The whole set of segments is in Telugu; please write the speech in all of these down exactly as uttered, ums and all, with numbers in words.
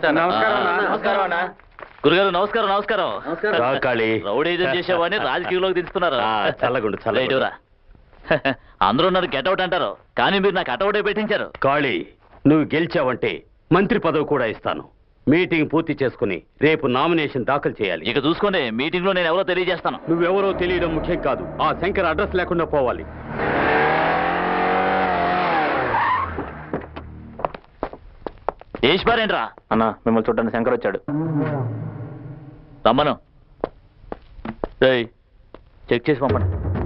గురుగారు నమస్కారం నమస్కారం. రౌడీజం చేసేవాడిని రాజకీయంలోకి దించుతున్నారు. చల్లగుండు చల్లగుండురా. అందరూ నన్ను గెటౌట్ అంటారు, కానీ మీరు నాకు అటౌటే పెట్టించారు. కాళీ, నువ్వు గెలిచావంటే మంత్రి పదవి కూడా ఇస్తాను. మీటింగ్ పూర్తి చేసుకుని రేపు నామినేషన్ దాఖలు చేయాలి. ఇక చూసుకోండి, మీటింగ్ లో నేను ఎవరో తెలియజేస్తాను. నువ్వెవరో తెలియడం ముఖ్యం కాదు, ఆ శంకర్ అడ్రస్ లేకుండా పోవాలి. ఏష్పారేంట్రా అన్నా, మిమ్మల్ని చూడడానికి శంకర్ వచ్చాడు. రమ్మను. చెక్ చేసి పంపండి.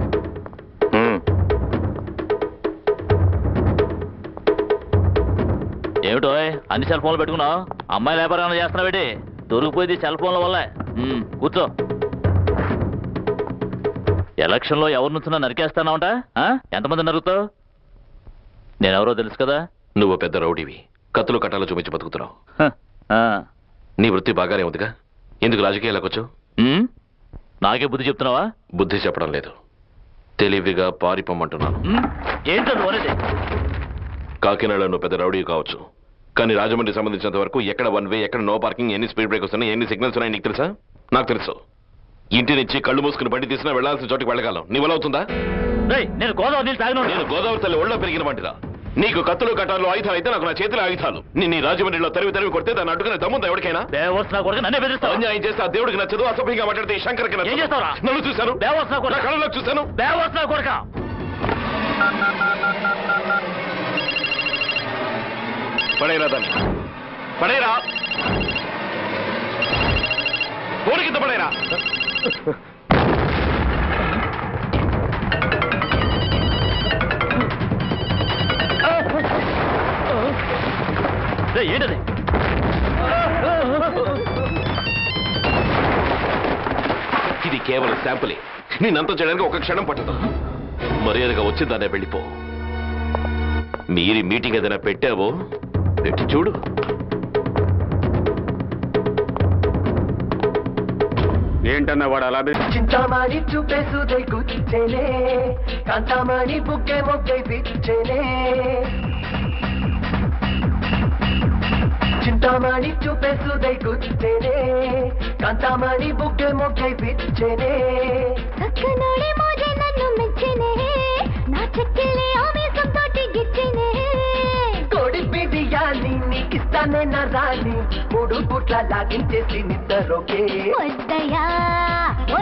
ఏమిటో అన్ని సెల్ ఫోన్లు పెట్టుకున్నావు? అమ్మాయి వ్యాపారం చేస్తున్నావు ఏంటి? దొరికిపోయింది సెల్ ఫోన్ల వల్ల. కూర్చో. ఎలక్షన్లో ఎవరు నుంచున్నా నరికేస్తానావుంట? ఎంతమంది నరుగుతావు? నేనెవరో తెలుసు కదా. నువ్వు పెద్ద రౌడీవి, కత్తులు కట్టాలో చూపించి బతుకుతున్నావు. నీ వృత్తి బాగానే ఉందిగా, ఎందుకు రాజకీయాలకు వచ్చావు? నాకే బుద్ధి చెప్తున్నావా? బుద్ధి చెప్పడం లేదు, తెలివిగా పారిపోమంటున్నాను. ఏంటో అనేది? కాకినాడలో నువ్వు పెద్ద రౌడీ కావచ్చు, కానీ రాజమండ్రి సంబంధించినంత వరకు ఎక్కడ వన్ వే, ఎక్కడ నో పార్కింగ్, ఎన్ని స్పీడ్ బ్రేకర్స్ ఉన్నాయి, ఎన్ని సిగ్నల్స్ ఉన్నాయి నీకు తెలుసా? నాకు తెలుసు. ఇంటి నుంచి కళ్ళు మూసుకుని బండి తీసినా వెళ్లాల్సిన చోటికి వెళ్ళగలం. నీ వల్ల అవుతుందా? నేను గోదావరి నీళ్ళు తాగిన నేను గోదావరి తల్లి ఒళ్ళో పెరిగిన వంటిరా. నీకు కత్తులు కట్టాలు ఆయుధాలు అయితే నాకు నా చేతిలో ఆయుధాలు. నేను రాజమండ్రిలో తరివి తరివి కొడితే దాన్ని అడ్డుకునే దమ్ముందా ఎవరికైనా? అన్యాయం చేస్తే ఆ దేవుడికి నచ్చదు, అసభ్యంగా మాట్లాడితే శంకర్కి నచ్చదు. నన్ను చూశాను, నా కళ్ళలో చూశాను. పడేరా దాన్ని, పడేరా, ఫోన్ కింద పడేరా. ఏంటది? ఇది కేవలం శాంపులే, నేనంతా చేయడానికి ఒక క్షణం పట్టదు. మర్యాదగా వచ్చిందానే వెళ్ళిపో. మీరి మీటింగ్ ఏదైనా పెట్టావో పెట్టి చూడు. ఏంటన్నా వాడు అలా? చింతామణి చూపేసుదై గుచ్చేనే, కాంతామణి బుక్కే మొగ్గై పిచ్చేనే. చింతామణి చూపేసుదై గుచ్చేనే, కాంతామణి బుక్కే మొగ్గై పిచ్చేనే. చక్కనోడి మోజే నన్ను మెచ్చేనే, నా చెక్కిలే ఆవేశం తోటి గిచ్చేనే. కోడి బిడియాని నీకిస్తానే నా రాణి, మూడు పుట్ల లాగించేసి నిద్రలోకే. వద్ద